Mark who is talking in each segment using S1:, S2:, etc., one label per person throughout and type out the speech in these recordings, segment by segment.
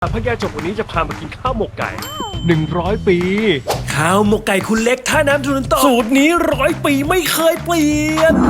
S1: พระยาจกวันนี้จะพามากินข้าวหมกไก่100 ปี
S2: ข้าวหมกไก่คุณเล็กท่าน้ำทุนต่อสูตรนี้100 ปีไม่เคยเปลี่ยน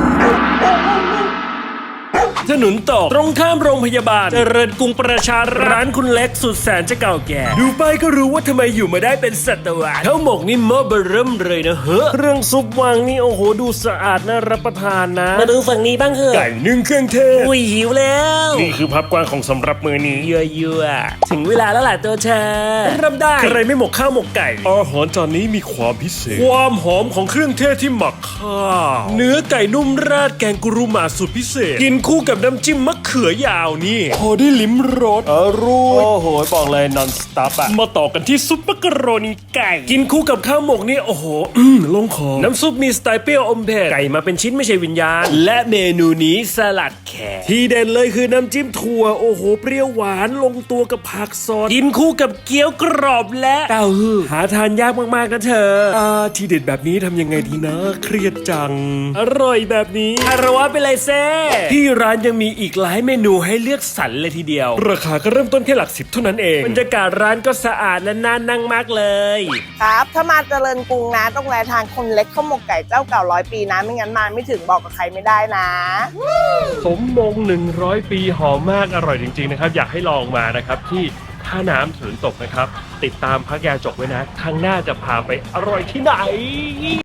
S2: ถนนต่อตรงข้ามโรงพยาบาลเจริญกรุงประชาร้านคุณเล็กสุดแสนจะเก่าแก่ดูไปก็รู้ว่าทำไมอยู่มาได้เป็นศตวรรษข้าวหมกนี่หม้อเบอร์เริ่มเลยนะเฮ้อเครื่องซุปวางนี่โอ้โหดูสะอาดน่ารับประทานนะมาดูฝั่งนี้บ้างเถอะไก่นึ่งเครื่องเทศอุ้ยหิวแล้วนี่คือภาพกว้างของสำหรับมือนี้ยั่วๆถึงเวลาแล้วล่ะตัวเธอเริ่มได้ใครไม่หมกข้าวหมกไก่อาหารจานนี้มีความพิเศษความหอมของเครื่องเทศที่หมักข้าวเนื้อไก่นุ่มราดแกงกุรุมาสูตรพิเศษกินคู่กับน้ำจิ้มมะเขือยาวนี่พอได้ลิ้มรสอร่อยโอ้โหบอกเลย non stop อะมาต่อกันที่ซุปมักกะโรนีไก่กินคู่กับข้าวหมกนี่โอ้โหลงคอน้ำซุปมีสไตล์เปรี้ยวอมเผ็ดไก่มาเป็นชิ้นไม่ใช่วิญญาณและเมนูนี้สลัดแขกที่เด่นเลยคือน้ำจิ้มถั่วโอ้โหเปรี้ยวหวานลงตัวกับผักสดกินคู่กับเกี๊ยวกรอบและเต้าหู้หาทานยากมากๆนะเธอที่เด็ดแบบนี้ทำยังไงดีนะเครียดจังอร่อยแบบนี้คารวะไปเลยเซ่ที่ร้านยังมีอีกหลายเมนูให้เลือกสรรเลยทีเดียวราคาก็เริ่มต้นแค่หลัก10เท่านั้นเองบรรยากาศร้านก็สะอาดและน่านั่งมากเลย
S3: ครับถ้ามาเจริญกรุงนะต้องแวะทานคนเล็กข้าวหมกไก่เจ้าเก่า100 ปีนะไม่งั้นมาไม่ถึงบอกกับใครไม่ได้นะ
S1: สมมง100 ปีหอมมากอร่อยจริงๆนะครับอยากให้ลองมานะครับที่ท่าน้ำสวนตกนะครับติดตามพระยาจกไว้นะครั้งหน้าจะพาไปอร่อยที่ไหน